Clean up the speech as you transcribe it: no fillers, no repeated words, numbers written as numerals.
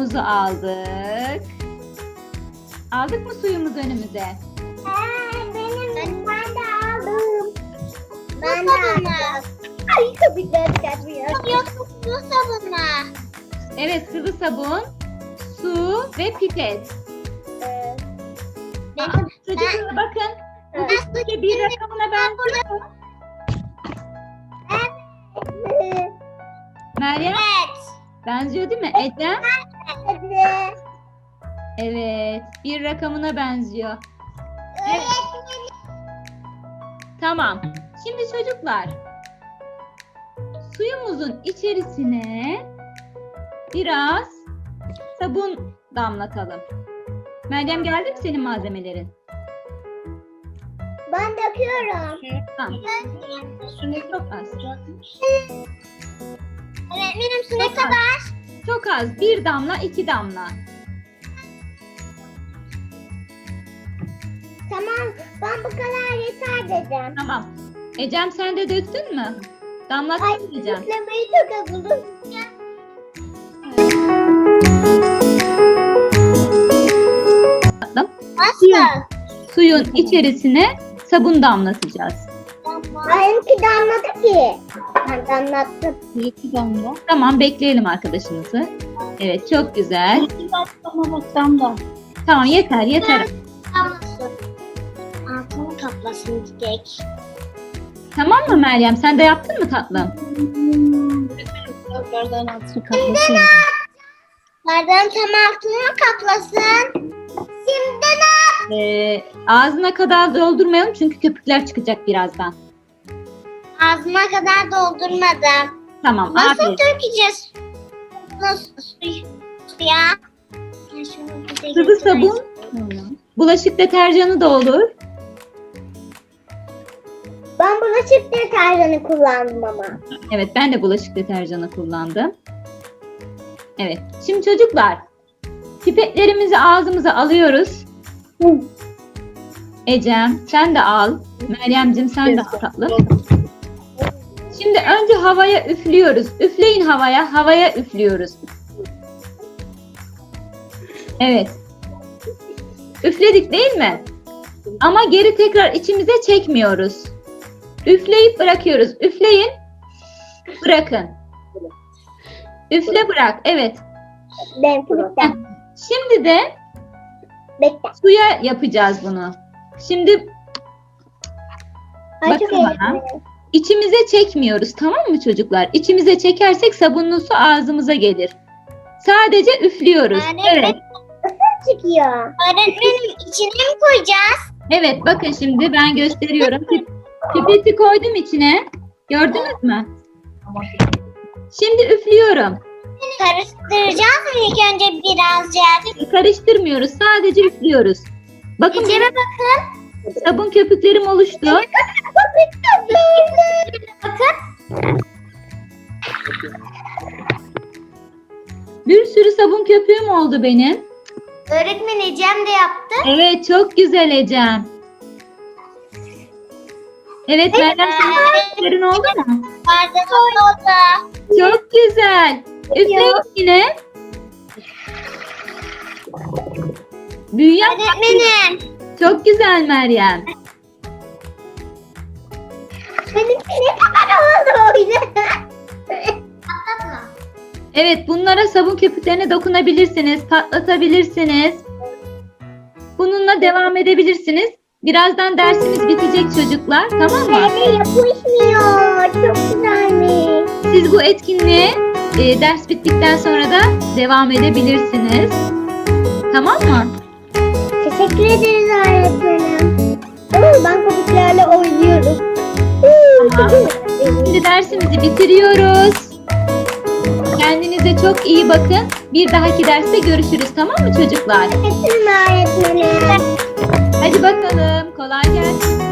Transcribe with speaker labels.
Speaker 1: suyumuzu aldık. Aldık mı suyumuzu önümüze?
Speaker 2: Ben de aldım. Ben de aldım. Ay köpükler kaçmıyor. Yok su sabunu.
Speaker 1: Evet, sıvı sabun, su ve pipet. Çocuklar bakın. Bu üstteki bir rakamına benziyor mu? Meryem,
Speaker 2: Evet.
Speaker 1: benziyor değil mi? Ecem?
Speaker 2: Evet.
Speaker 1: Evet, bir rakamına benziyor. Evet. Tamam. Şimdi çocuklar, suyumuzun içerisine biraz sabun damlatalım. Meryem, geldi mi senin malzemelerin?
Speaker 2: Ben döküyorum.
Speaker 1: Tamam. Çok az.
Speaker 2: Öğretmenim su ne kadar?
Speaker 1: Çok az. Bir damla, iki damla.
Speaker 2: Tamam. Ben bu kadar yeter dedim.
Speaker 1: Tamam. Ecem, sen de döktün mü? Damlattın mı Ecem?
Speaker 2: Üflemeyi çok azalım. Nasıl?
Speaker 1: Suyun içerisine sabun damlatacağız.
Speaker 2: Benimki damladı ki. Ben damlattım.
Speaker 3: İki damla.
Speaker 1: Tamam, bekleyelim arkadaşımızı. Evet, çok güzel.
Speaker 3: İki damla bak damla.
Speaker 1: Tamam, yeter yeter.
Speaker 2: Damlasın. Altını kaplasın çiçek.
Speaker 1: Tamam mı Meryem? Sen de yaptın mı tatlım?
Speaker 3: Bardağın altını kaplasın.
Speaker 2: Bardağın tam altını kaplasın. Şimdi
Speaker 1: Ağzına kadar doldurmayalım çünkü köpükler çıkacak birazdan.
Speaker 2: ağzıma kadar doldurmadım.
Speaker 1: Tamam,
Speaker 2: Nasıl
Speaker 1: aferin.
Speaker 2: dökeceğiz? Nasıl suya?
Speaker 1: Sıvı sabun, bulaşık deterjanı da olur.
Speaker 2: Ben bulaşık deterjanı kullandım ama.
Speaker 1: Evet, ben de bulaşık deterjanı kullandım. Evet, şimdi çocuklar, pipetlerimizi ağzımıza alıyoruz. Ecem, sen de al. Meryemcim, sen de al tatlım. Şimdi önce havaya üflüyoruz. Üfleyin havaya, havaya üflüyoruz. Evet. Üfledik değil mi? Ama geri tekrar içimize çekmiyoruz. Üfleyip bırakıyoruz. Üfleyin, bırakın. Üfle bırak, evet.
Speaker 2: Benimki bitti.
Speaker 1: Şimdi de
Speaker 2: Bekle.
Speaker 1: suya yapacağız bunu. Şimdi
Speaker 2: Ay, çok
Speaker 1: bakın bana.
Speaker 2: eğlenceli.
Speaker 1: İçimize çekmiyoruz, tamam mı çocuklar? İçimize çekersek sabunlu su ağzımıza gelir. Sadece üflüyoruz. Evet.
Speaker 2: Çıkıyor. Öğretmenim içine mi koyacağız?
Speaker 1: Evet, bakın şimdi ben gösteriyorum. Pipeti koydum içine. Gördünüz mü? Şimdi üflüyorum.
Speaker 2: Karıştıracağız mı ilk önce birazcık?
Speaker 1: Karıştırmıyoruz. Sadece üflüyoruz. Bakın
Speaker 2: İçine
Speaker 1: benim
Speaker 2: bakın.
Speaker 1: sabun köpüklerim oluştu.
Speaker 2: Bakın.
Speaker 1: Bir sürü sabun köpüğüm oldu benim.
Speaker 2: Öğretmen Ecem de yaptı.
Speaker 1: Evet, çok güzel Ecem. Evet, Meryem, senin köpüklerin oldu mu?
Speaker 2: Bardak oldu.
Speaker 1: Çok güzel. Üfleyin yine. Büyüyen
Speaker 2: Öğretmenim.
Speaker 1: çok güzel Meryem.
Speaker 2: Benimki ne kadar oldu öyle? Patlatma.
Speaker 1: Evet, bunlara sabun köpüklerine dokunabilirsiniz, patlatabilirsiniz. Bununla devam edebilirsiniz. Birazdan dersimiz bitecek çocuklar, tamam mı?
Speaker 2: Yapışmıyor. Çok güzelmiş.
Speaker 1: Siz bu etkinliğe ders bittikten sonra da devam edebilirsiniz. Tamam mı?
Speaker 2: Teşekkür ederiz öğretmenim. Ben köpüklerle oynuyorum.
Speaker 1: Tamam. Şimdi dersimizi bitiriyoruz. Kendinize çok iyi bakın. Bir dahaki derste görüşürüz, tamam mı çocuklar?
Speaker 2: Öğretmenim.
Speaker 1: Hadi bakalım, kolay gelsin.